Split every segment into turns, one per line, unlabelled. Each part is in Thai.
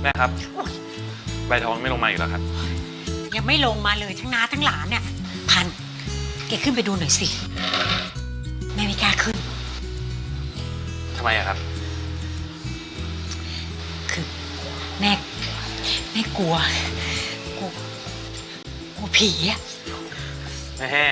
แม่ครับใบทองไม่ลงมาอีกแล้วครับ
ยังไม่ลงมาเลยทั้งน้าทั้งหลานเนี่ยพันแกขึ้นไปดูหน่อยสิแม่ไม่กล้าขึ้น
ทำไมอะครับ
คือแม่กลัวผีอะ
แม่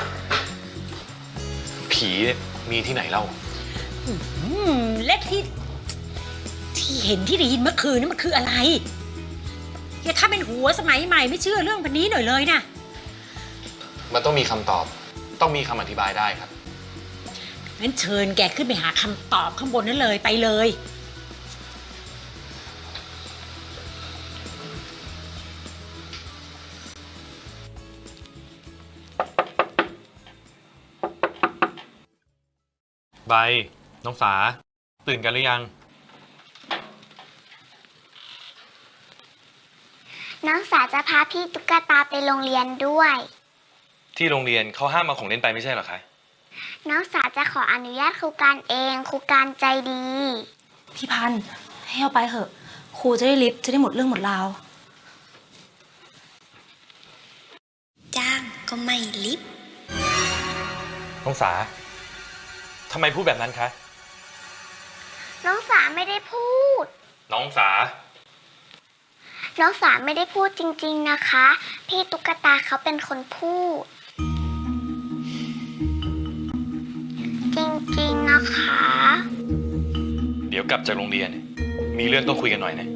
ผีมีที่ไหนเล่า
และที่เห็นที่ได้ยินเมื่อคืนนี่มันคืออะไรอย่าถ้าเป็นหัวสมัยใหม่ไม่เชื่อเรื่องพันนี้หน่อยเลยนะ
มันต้องมีคำตอบต้องมีคำอธิบายได้ครับ
งั้นเชิญแกขึ้นไปหาคำตอบข้างบนนั้นเลยไปเลย
ใบน้องสาตื่นกันหรือยัง
น้องสาจะพาพี่ตุ๊กตาไปโรงเรียนด้วย
ที่โรงเรียนเขาห้ามเอาของเล่นไปไม่ใช่เหรอคะ
น้องสาจะขออนุญาตครูการเองครูการใจดี
พี่พันธุ์ให้เอาไปเถอะครูจะได้ลิฟต์จะได้หมดเรื่องหมดราว
จ้างก็ไม่ลิฟต์
น้องสาทำไมพูดแบบนั้นคะ
น้องสาไม่ได้พูด
น้องสา
ไม่ได้พูดจริงๆนะคะพี่ตุ๊กตาเขาเป็นคนพูดจริงๆนะคะ
เดี๋ยวกลับจากโรงเรียนมีเรื่องต้องคุยกันหน่อยนะ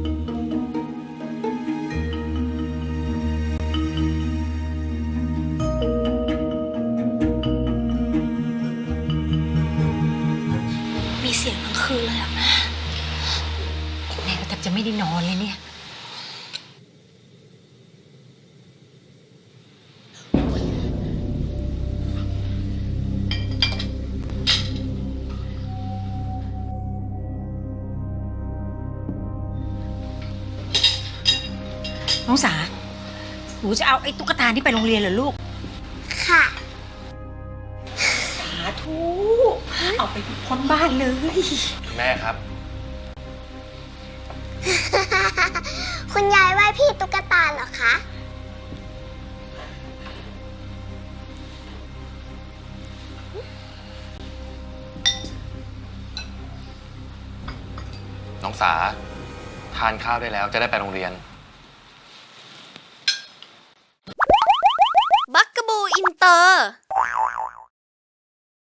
มีเสียงทั้งคืนเลยอะแ
ม่ก็แทบจะไม่ได้นอนเลยเนี่ยน้องสาหนูจะเอาไอ้ตุ๊กตานี่ไปโรงเรียนเหรอลูก
ค่ะ
สาธุเอาไปพ้นบ้านเลย
แม่ครับ
คุณยายไหว้พี่ตุ๊กตาเหรอคะ
น้องสาทานข้าวได้แล้วจะได้ไปโรงเรียน